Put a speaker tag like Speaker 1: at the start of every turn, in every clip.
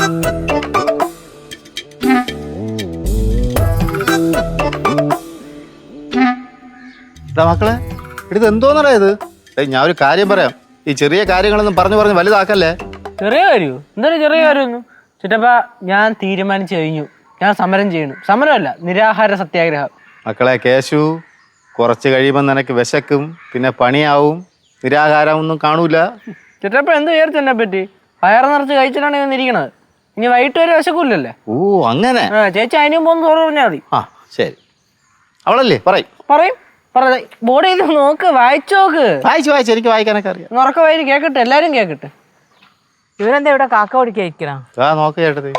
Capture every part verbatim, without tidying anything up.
Speaker 1: മക്കളെ ഇത് എന്തോന്നടാ ഇത്? ഞാൻ ഒരു കാര്യം പറയാം, ഈ ചെറിയ കാര്യങ്ങളൊന്നും പറഞ്ഞു പറഞ്ഞ് വലുതാക്കല്ലേ.
Speaker 2: ചെറിയ കാര്യമോ? എന്തായാലും ചെറിയ കാര്യമൊന്നും ചിറ്റപ്പ, ഞാൻ തീരുമാനിച്ചു കഴിഞ്ഞു. ഞാൻ സമരം ചെയ്യണു. സമരമല്ല, നിരാഹാര സത്യാഗ്രഹം.
Speaker 1: മക്കളെ കേശു, കുറച്ച് കഴിയുമ്പോൾ നിനക്ക് വിശക്കും, പിന്നെ പണിയാവും, നിരാഹാരം ഒന്നും കാണൂല.
Speaker 2: ചിറ്റപ്പ എന്ത് വിചാരിച്ചു എന്നെ പറ്റി? വയറ് നിറച്ച് കഴിച്ചിട്ടാണ് ഞാൻ ഇരിക്കണത്. ഇനി വൈകിട്ട് വരെ വിശക്കൂലല്ലേ?
Speaker 1: ഓ അങ്ങനെ.
Speaker 2: ആ ചേച്ചി അതിനും പോകുന്ന ചോറ് പറഞ്ഞാൽ മതി.
Speaker 1: ആ ശരി, അവളല്ലേ പറയും
Speaker 2: പറയും ബോർഡ് ചെയ്ത് നോക്ക്, വായിച്ചു നോക്ക്.
Speaker 1: വായിച്ചു വായിച്ചു എനിക്ക് വായിക്കാനൊക്കെ അറിയാം.
Speaker 2: ഉറക്ക വായി കേക്കട്ടെ, എല്ലാരും കേക്കട്ടെ.
Speaker 3: ഇവരെന്താ ഇവിടെ കാക്ക ഓടിക്കാൻ?
Speaker 1: ആ നോക്ക് ചേട്ടത്.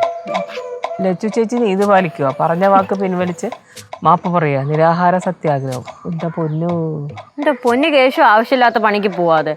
Speaker 3: ലച്ചു ചേച്ചി നീതി പാലിക്കുക, പറഞ്ഞ വാക്ക് പിൻവലിച്ച് മാപ്പ് പറയാ, നിരാഹാര സത്യാഗ്രഹം. എന്താ പൊന്നു
Speaker 4: എന്റെ പൊന്നു കേശു, ആവശ്യമില്ലാത്ത പണിക്ക് പോവാതെ.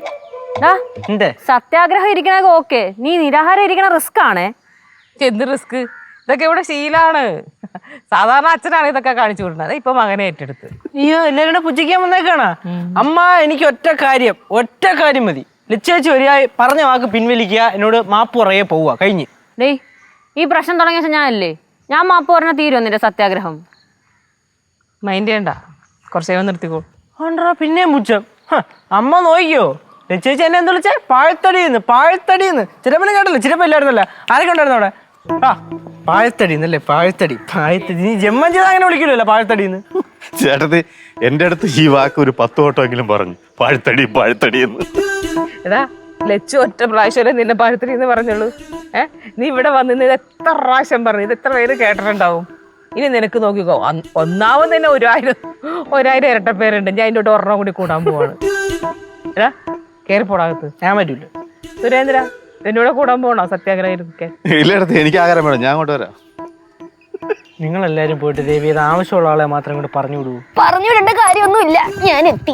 Speaker 4: സത്യാഗ്രഹം ഇരിക്കണൊക്കെ ഓക്കെ, നീ നിരാഹാരം ഇരിക്കണ റിസ്ക് ആണേ.
Speaker 3: എന്ത് റിസ്ക്? ഇതൊക്കെ ഇവിടെ ശീലാണ്. സാധാരണ അച്ഛനാണ് ഇതൊക്കെ കാണിച്ചു കൊടുക്കുന്നത്, ഇപ്പൊ മകനെ ഏറ്റെടുത്ത്.
Speaker 2: അയ്യോ, എല്ലാവരും കൂടെ പുച്ഛിക്കാൻ വന്നേക്കാണാ? അമ്മ, എനിക്ക് ഒറ്റ കാര്യം ഒറ്റ കാര്യം മതി. ലച്ചേച്ചി ഒരായി പറഞ്ഞ വാക്ക് പിൻവലിക്കുക, എന്നോട് മാപ്പ് പറയെ പോവുക, കഴിഞ്ഞ്.
Speaker 4: ഡേയ്, ഈ പ്രശ്നം തുടങ്ങിയ ഞാനല്ലേ, ഞാൻ മാപ്പ് പറഞ്ഞ തീരുമോ നിന്റെ സത്യാഗ്രഹം?
Speaker 3: മൈൻഡ് ചെയ്യണ്ട, കുറച്ചേവൻ നിർത്തിക്കോ.
Speaker 2: ആണ്ടാ പിന്നെയും പുച്ഛം. അമ്മ നോക്കിയോ, ലച്ചേച്ചി എന്നെ എന്ത് വിളിച്ചേ? പാഴ്ത്തടിന്ന് പാഴ്ത്തടിന്ന്. ചിലപ്പനും കേട്ടല്ലോ, ചിലപ്പോ ഇല്ലായിരുന്നല്ല. ആരൊക്കെ ഉണ്ടായിരുന്നു അവിടെ? ആ പാഴ്ത്തടിന്നല്ലേ, പാഴ്ത്തടി പാഴ്ത്തടി. നീ ജന്മം ചെയ്താൽ അങ്ങനെ വിളിക്കില്ലല്ലോ പാഴ്ത്തടിന്ന്.
Speaker 1: ചേട്ടത്തി എന്റെ അടുത്ത് ഈ വാക്ക് ഒരു പത്ത് വട്ടമെങ്കിലും പറഞ്ഞു, പാഴ്ത്തടി പാഴ്ത്തടി എന്ന്.
Speaker 3: എടാ ലച്ചു ഒറ്റ പ്രാവശ്യം നിന്നെ പാഴ്ത്തടി എന്ന് പറഞ്ഞുള്ളൂ. ഏഹ് നീ ഇവിടെ വന്ന് ഇത് എത്ര പ്രാവശ്യം പറഞ്ഞു, ഇത് എത്ര പേര് കേട്ടിട്ടുണ്ടാവും. ഇനി നിനക്ക് നോക്കിക്കോ, ഒന്നാമത് തന്നെ ഒരായിരം ഒരായിരം ഇരട്ട പേരുണ്ട്. ഞാൻ അതിൻ്റെ ഒരെണ്ണം കൂടി കൂടാൻ പോവാണ്. എടാ കയറിപ്പോടാകത്ത്.
Speaker 2: ഞാൻ പറ്റൂല.
Speaker 3: സുരേന്ദ്ര, എന്നോട് കൂടാൻ പോകണോ സത്യാഗ്രഹം?
Speaker 1: ഇല്ലടത്ത് എനിക്ക് ആഗ്രഹം വേണം, ഞാൻ അങ്ങോട്ട് വരാം.
Speaker 2: നിങ്ങൾ എല്ലാരും പോയിട്ട് ദേവി, ഇത് ആവശ്യമുള്ള ആളെ മാത്രം കൂടെ പറഞ്ഞു വിടൂ.
Speaker 4: പറഞ്ഞു വിടേണ്ട കാര്യമൊന്നുമില്ല, ഞാൻ എത്തി.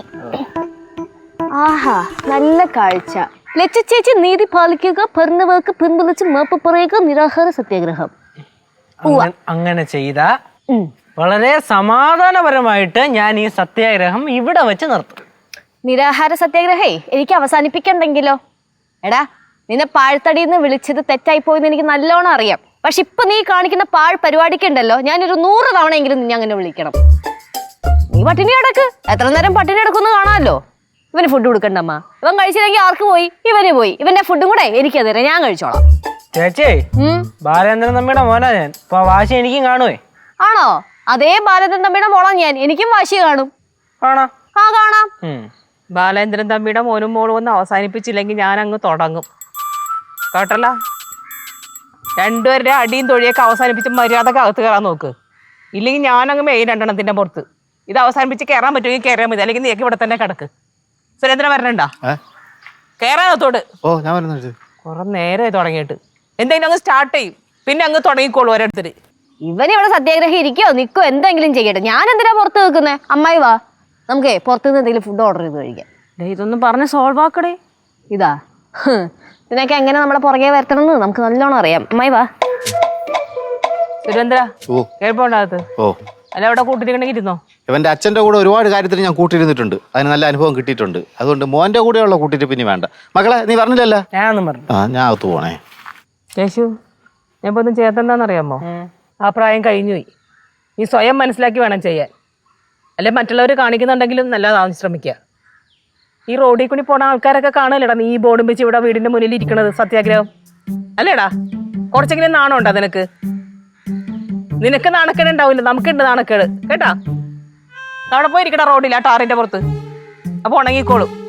Speaker 4: ആഹാ, നല്ല കാഴ്ച. ലച്ചു ചേച്ചി നീതി പാലിക്കുക, പറഞ്ഞവർക്ക് പിൻവലിച്ച് മാപ്പ് പറയുക, നിരാഹാര സത്യാഗ്രഹം.
Speaker 2: അങ്ങനെ ചെയ്ത വളരെ സമാധാനപരമായിട്ട് ഞാൻ ഈ സത്യാഗ്രഹം ഇവിടെ വെച്ച് നിർത്തും.
Speaker 4: നിരാഹാര സത്യാഗ്രഹേ എനിക്ക് അവസാനിപ്പിക്കണ്ടെങ്കിലോ? എടാ, നിന്നെ പാഴ്ത്തടിന്ന് വിളിച്ചത് തെറ്റായി പോയെന്ന് എനിക്ക് നല്ലോണം അറിയാം. പക്ഷെ ഇപ്പൊ നീ കാണിക്കുന്ന പാഴ് പരിപാടിക്കുണ്ടല്ലോ, ഞാനൊരു നൂറ് തവണയെങ്കിലും നിന്നെ അങ്ങനെ വിളിക്കണം. നീ പട്ടിണി കിടക്ക്, എത്ര നേരം പട്ടിണി കിടക്കുമെന്ന് കാണാമല്ലോ. ഇവന് ഫുഡ് കൊടുക്കണ്ടമ്മ, ഇവൻ കഴിച്ചില്ലെങ്കിൽ ആർക്ക് പോയി? ഇവന് പോയി. ഇവന്റെ ഫുഡും കൂടെ എനിക്ക് തരാം, ഞാൻ കഴിച്ചോളാം.
Speaker 2: ചേച്ചി, ബാലേന്ദ്രൻ തമ്മിയുടെ മോനാ ഞാൻ. ഇപ്പൊ വാശി എനിക്കും കാണുവേ.
Speaker 4: ആണോ? അതേ ബാലേന്ദ്രൻ തമ്മിയുടെ മോളാ ഞാൻ, എനിക്കും വാശി കാണും.
Speaker 2: ആണോ?
Speaker 4: ആ കാണാം.
Speaker 3: ബാലേന്ദ്രൻ തമ്മിയുടെ മോനും മോളും ഒന്ന് അവസാനിപ്പിച്ചില്ലെങ്കിൽ ഞാൻ അങ്ങ് തുടങ്ങും കേട്ടല്ല. രണ്ടുപേരുടെ അടിയും തൊഴിയൊക്കെ അവസാനിപ്പിച്ച് മര്യാദക്ക് അകത്ത് കയറാൻ നോക്ക്. ഇല്ലെങ്കിൽ ഞാനങ്ങ് മെയിൻ രണ്ടെണ്ണത്തിന്റെ പുറത്ത്. ഇത് അവസാനിപ്പിച്ച് കയറാൻ പറ്റുമെങ്കിൽ കയറാൻ മതി, അല്ലെങ്കിൽ നീക്ക് ഇവിടെ തന്നെ കിടക്ക്. സുരേന്ദ്രൻ വരണണ്ടാ? കയറാനത്തോട്.
Speaker 1: ഓ ഞാൻ വരുന്നു.
Speaker 3: കുറെ നേരമായി തുടങ്ങിയിട്ട്. എന്തെങ്കിലും അങ്ങ് സ്റ്റാർട്ട് ചെയ്യും, പിന്നെ അങ്ങ് തുടങ്ങിക്കോളൂ ഓരോരുത്തര്.
Speaker 4: ഇവൻ ഇവിടെ സത്യാഗ്രഹം ഇരിക്കോ നിക്കോ എന്തെങ്കിലും ചെയ്യട്ടെ. ഞാൻ എന്തിനാ പുറത്ത് നിൽക്കുന്നേ? അമ്മായി വാ, നമുക്കേ പുറത്തുനിന്ന് എന്തെങ്കിലും ഫുഡ് ഓർഡർ ചെയ്ത് കഴിക്കാം. ഇതൊന്നും പറഞ്ഞ് സോൾവ് ആക്കടേ. ഇതാ ഇതിനൊക്കെ എങ്ങനെ നമ്മളെ പുറകെ വരത്തണമെന്ന് നമുക്ക് നല്ലോണം അറിയാം. അമ്മായി വാ.
Speaker 3: സുരേന്ദ്ര കേൾപ്പോണ്ടകത്ത്.
Speaker 1: ഓ
Speaker 3: അല്ല, അവിടെ കൂട്ടിരിക്കണമെങ്കിൽ ഇരുന്നോ.
Speaker 1: ഇവന്റെ അച്ഛന്റെ കൂടെ ഒരുപാട് കാര്യത്തിൽ ഞാൻ കൂട്ടിയിരുന്നിട്ടുണ്ട്, അതിന് നല്ല അനുഭവം കിട്ടിയിട്ടുണ്ട്. അതുകൊണ്ട് മോന്റെ കൂടെയുള്ള കൂട്ടിട്ട് പിന്നെ വേണ്ട. മക്കളെ നീ പറഞ്ഞില്ലല്ലോ?
Speaker 2: ഞാനൊന്നും പറഞ്ഞു.
Speaker 1: ആ ഞാൻ അകത്ത് പോണേ.
Speaker 3: യേശു, ഞാൻ ഇപ്പൊ ഒന്നും ചെയ്യാത്തെന്താണെന്നറിയാമോ? ആ പ്രായം കഴിഞ്ഞുപോയി. നീ സ്വയം മനസ്സിലാക്കി വേണം ചെയ്യാൻ. അല്ലെ മറ്റുള്ളവർ കാണിക്കുന്നുണ്ടെങ്കിലും നല്ലതാവാൻ ശ്രമിക്കുക. ഈ റോഡിൽ കൂടി പോണ ആൾക്കാരൊക്കെ കാണലടാ നീ ഈ ബോർഡും വെച്ച് ഇവിടെ വീടിന്റെ മുന്നിൽ ഇരിക്കണത് സത്യാഗ്രഹം അല്ലേടാ? കുറച്ചെങ്കിലും നാണം ഉണ്ടോ നിനക്ക്? നിനക്ക് നാണക്കേട് ഉണ്ടാവില്ല, നമുക്കുണ്ട് നാണക്കേട് കേട്ടാ. അവിടെ പോയിരിക്കടാ റോഡിൽ ആ ടാറിന്റെ പുറത്ത്. അപ്പൊ ഉണങ്ങിക്കോളും.